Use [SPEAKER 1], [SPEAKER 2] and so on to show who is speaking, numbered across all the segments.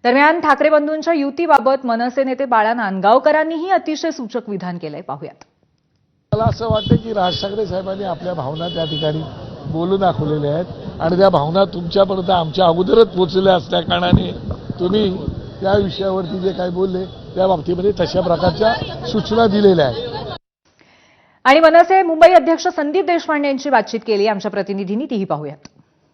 [SPEAKER 1] दरम्यान ठाकरे बंधूंच्या युतीबाबत मनसे नेते बाळा नांदगावकरांनीही अतिशय सूचक विधान केलंय. पाहूयात.
[SPEAKER 2] मला असं वाटतं की राज ठाकरे साहेबांनी आपल्या भावना त्या ठिकाणी बोलून दाखवलेल्या आहेत आणि त्या भावना तुमच्यापर्यंत आमच्या अगोदरच पोहोचलेल्या असल्या कारणाने तुम्ही त्या विषयावरती जे काही बोलले त्या बाबतीमध्ये तशा प्रकारच्या सूचना दिलेल्या आहेत.
[SPEAKER 1] आणि मनसे मुंबई अध्यक्ष संदीप देशपांडे यांची बातचीत केली आमच्या प्रतिनिधींनी, तीही पाहूयात.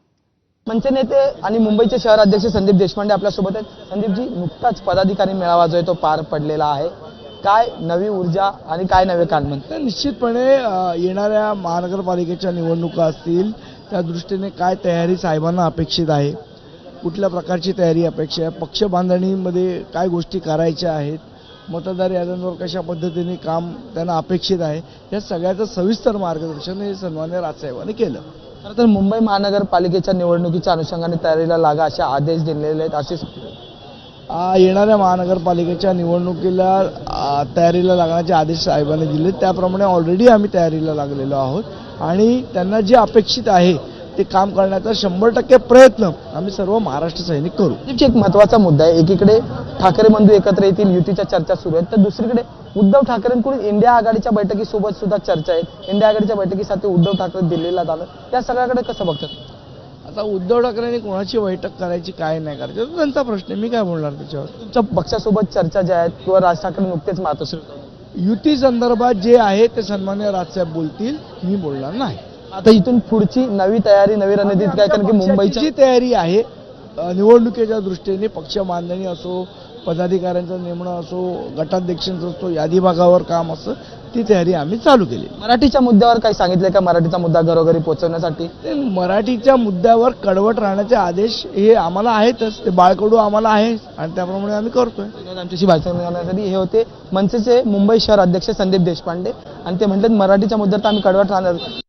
[SPEAKER 3] मनसे नेते आणि मुंबईचे शहर अध्यक्ष संदीप देशपांडे आपल्यासोबत आहेत. संदीपजी, नुकताच पदाधिकारी मेळावा जो आहे तो पार पडलेला आहे. काय नवी ऊर्जा आणि काय नवे कालमन?
[SPEAKER 2] निश्चितपणे येणाऱ्या महानगरपालिकेच्या निवडणुका असतील त्या दृष्टीने काय तयारी साहेबांना अपेक्षित आहे, कुठल्या प्रकारची तयारी अपेक्षित आहे, पक्ष बांधणीमध्ये काय गोष्टी करायच्या आहेत, मतदार याद्यांवर कशा पद्धतीने काम त्यांना अपेक्षित आहे, या सगळ्याचं सविस्तर मार्गदर्शन हे सन्माननीय राजसाहेबांनी केलं.
[SPEAKER 3] खरं तर मुंबई महानगरपालिकेच्या निवडणुकीच्या अनुषंगाने तयारीला लागा असे आदेश दिलेले आहेत. असे
[SPEAKER 2] येणाऱ्या महानगरपालिकेच्या निवडणुकीला तयारीला लागण्याचे आदेश साहेबांनी दिले, त्याप्रमाणे ऑलरेडी आम्ही तयारीला लागलेलो आहोत आणि त्यांना जे अपेक्षित आहे ते काम करण्याचा 100% प्रयत्न आम्ही सर्व महाराष्ट्र सैनिक करू.
[SPEAKER 3] एक महत्त्वाचा मुद्दा आहे. एकीकडे ठाकरे बंधू एकत्र येतील, युतीच्या चर्चा सुरू आहेत, तर दुसरीकडे उद्धव ठाकरेंकडून इंडिया आघाडीच्या बैठकीसोबत सुद्धा चर्चा आहेत. इंडिया आघाडीच्या बैठकीसाठी उद्धव ठाकरे दिल्लीला जाणार, त्या सगळ्याकडे कसं बघतात?
[SPEAKER 2] आता उद्धव ठाकरेंनी कोणाची बैठक करायची काय नाही करायची तो त्यांचा प्रश्न आहे, मी काय बोलणार त्याच्यावर.
[SPEAKER 3] तुमच्या पक्षासोबत चर्चा ज्या आहेत किंवा राज ठाकरे नुकतेच मातोश्री
[SPEAKER 2] युती संदर्भात जे आहे ते सन्माननीय राजसाहेब बोलतील, मी बोलणार नाही.
[SPEAKER 3] आता इथून पुढची नवी तयारी, नवी रणनीती काय? कारण की मुंबईची
[SPEAKER 2] जी तयारी आहे निवडणुकीच्या दृष्टीने, पक्ष बांधणी असो, पदाधिकाऱ्यांचं नेमणं असो, गटाध्यक्षांचं असो, यादी भागावर काम असं, ती तयारी आम्ही चालू केली.
[SPEAKER 3] मराठीच्या मुद्द्यावर काही सांगितलंय का? मराठीचा मुद्दा घरोघरी पोहोचवण्यासाठी
[SPEAKER 2] ते मराठीच्या मुद्द्यावर कडवट राहण्याचे आदेश हे आम्हाला आहेतच, ते बाळकडू आम्हाला आहे आणि त्याप्रमाणे आम्ही करतोय.
[SPEAKER 3] आमच्याशी भाषण करण्यासाठी हे होते मनसेचे मुंबई शहर अध्यक्ष संदीप देशपांडे आणि ते म्हणतात मराठीच्या मुद्द्यावर आम्ही कडवट राहणार.